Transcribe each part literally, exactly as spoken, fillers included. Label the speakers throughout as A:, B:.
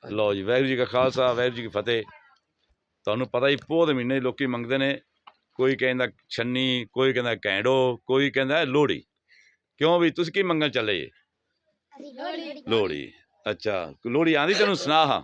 A: लो जी वाहिगुरू जी का खालसा वाहिगुरू जी की फतेह। तुहानूं पता ही पोह दे महीने लोकी मंगदे ने, कोई कहंदा छन्नी, कोई कहंदा कैंडो, कोई कहंदा लोहड़ी। क्यों भी तुसीं की मंगण चले जे? लोहड़ी। अच्छा लोहड़ी आंदी तैनूं? सुना हां,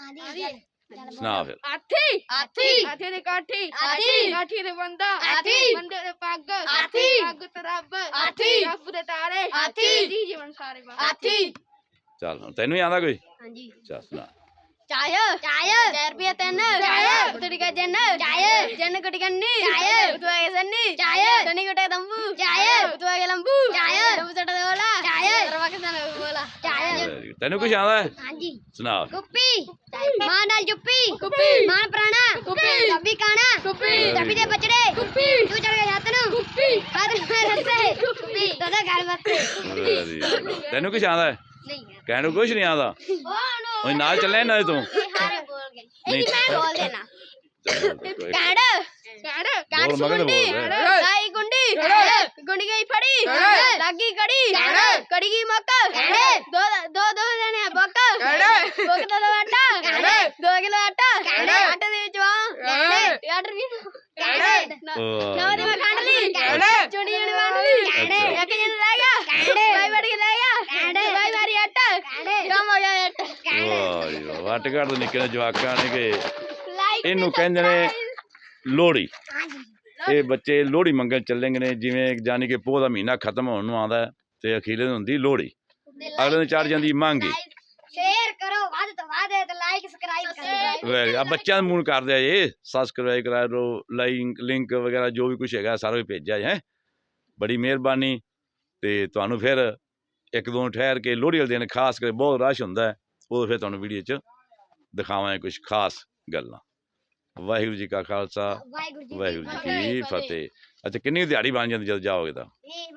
A: सुना फिर।
B: हाथी हाथी हाथी दे काठी हाथी काठी दे बंदा हाथी बंदे दे पग हाथी पग ते रब हाथी रब दे तारे हाथी जी जीवन सारे हाथी।
A: चल तैनूं ही आंदा कोई?
B: हां जी।
A: चल सुना।
B: चाय चाय चार रुपया तीन चाय उतरी का जन चाय जन कटी कन्नी चाय उतवा के सन्नी चाय सन्नी कटे तंबू चाय उतवा के लंबू चाय लंबू चटा दे बोला चाय रवा के सन बोला चाय।
A: तैनूं कुछ आंदा है?
B: हां जी।
A: सुना।
B: कुप्पी मां नाल जुप्पी कुप्पी मां प्राणा कुप्पी तभी काना कुप्पी तभी दे बचड़े कुप्पी तू चढ़ गया हाथ नु कुप्पी हाथ में रस्से कुप्पी दादा घर बत्ते।
A: तैनूं कुछ आंदा है?
B: नहीं
A: कहने कुछ नहीं आंदा। ओए नाल चले ना तू?
B: हारे बोल गए नहीं मैं बोल देना। काड़ काड़ काड़
A: बोल मगन
B: सुंडी
A: बोल।
B: लाई गुंडी गुंडी गई फड़ी लागी कड़ी कड़ी की मक्का दो दो दो जने बक दो किलो दो आटा दो किलो आटा आटे दे विच वा आटा भी नौ दिन में काट ली चुनी चुनी बांध ली एक जन लाएगा भाई बढ़ के लाएगा भाई मारी आटा कम हो गया आटा
A: वाह जी वाह। वट घट दे निक्के जवाकां ने कि इनू कहंदे ने लोहड़ी। ये बच्चे लोहड़ी मंगण चलेंगे ने, जिवें जानी कि पोह दा महीना खत्म होण नूं आंदा ते अखीरे नूं हुंदी लोहड़ी, अगले दिन चढ़ जांदी मांगी।
B: शेयर करो वध तो वध ते लाइक सब्सक्राइब करो।
A: वेरी आ बच्चों मूल कर दिया ये सब्सक्राइब करा दो, लाइक लिंक वगैरह जो भी कुछ है सारा भेजा है। बड़ी मेहरबानी। ते तुहानूं फिर एक दो ठहर के लोहड़ी वाले दिन खास कर बहुत रश हुंदा है, वो फिर तुहानूं वीडियो च दिखावांगे कुछ खास गल्लां। वाहिगुरू जी का खालसा वाहिगुरू जी की फतेह। अच्छा किन्नी दिहाड़ी बन जाती जब जाओगे तो?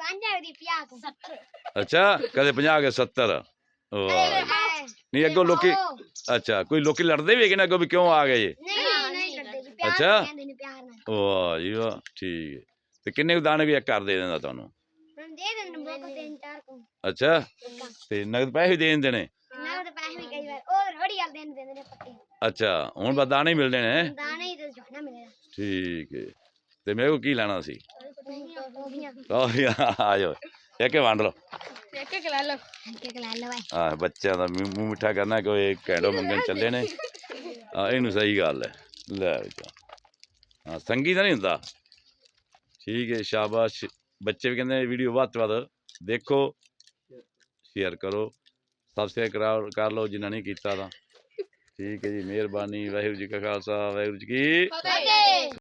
A: अच्छा कदे पचास के सत्तर। नहीं अगो लोकी अच्छा कोई लोकी लड़ते भी है कि ना अगो भी क्यों आ गए ये? अच्छा वाह जी वाह ठीक है। ते किन्ने दाने भी एक कर दे देंदा तुहानूं? अच्छा ते नगद पैसे भी देन देने? अच्छा हुण बस दाने ही मिलने ने? ठीक है। ते मेरे को की लैना सी? आ जाओ एक वंड लो। हाँ बच्चों का मूँह मिठा करना कोई कैंडो मंगन चले ने। हाँ इनू सही गल है। लै हाँ संगी तो नहीं होंदा। ठीक है शाबाश। बच्चे भी कहते वीडियो वध तो वध देखो शेयर करो सबसक्राइब करा कर लो जिन्हें नहीं किया। ठीक है जी मेहरबानी। वाहिगुरू जी का खालसा वाहिगुरू जी की